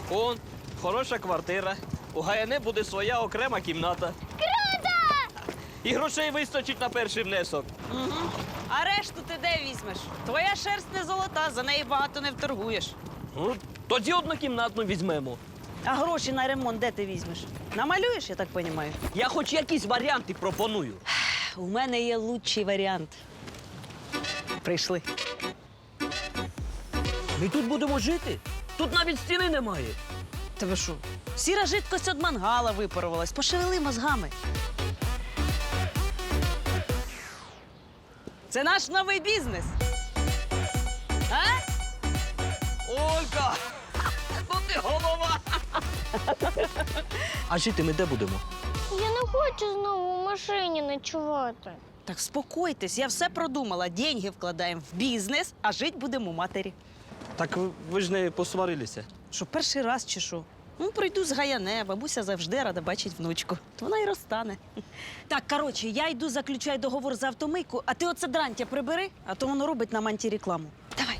Он, хороша квартира. У Гаяне буде своя окрема кімната. Круто! І грошей вистачить на перший внесок. А решту ти де візьмеш? Твоя шерсть не золота, за неї багато не вторгуєш. Ну, тоді однокімнатну візьмемо. А гроші на ремонт де ти візьмеш? Намалюєш, я так розумію? Я хоч якісь варіанти пропоную. У мене є лучший варіант. Прийшли. Ми тут будемо жити. Тут навіть стіни немає. Тебе що? Сіра жидкость від мангала випарувалась. Пошевели мозгами. Це наш новий бізнес. А? Олька! Ну ти голова! А жити ми де будемо? Я не хочу знову в машині ночувати. Так спокойтесь, я все продумала. Деньги вкладаємо в бізнес, а жити будемо у матері. Так ви ж не посварилися. Що, перший раз чи що? Ну, прийду з Гаяне, бабуся завжди рада бачить внучку. То вона й розтане. Так, коротше, я йду заключаю договор за автомийку, а ти оце дрантя прибери, а то воно робить нам антирекламу. Давай.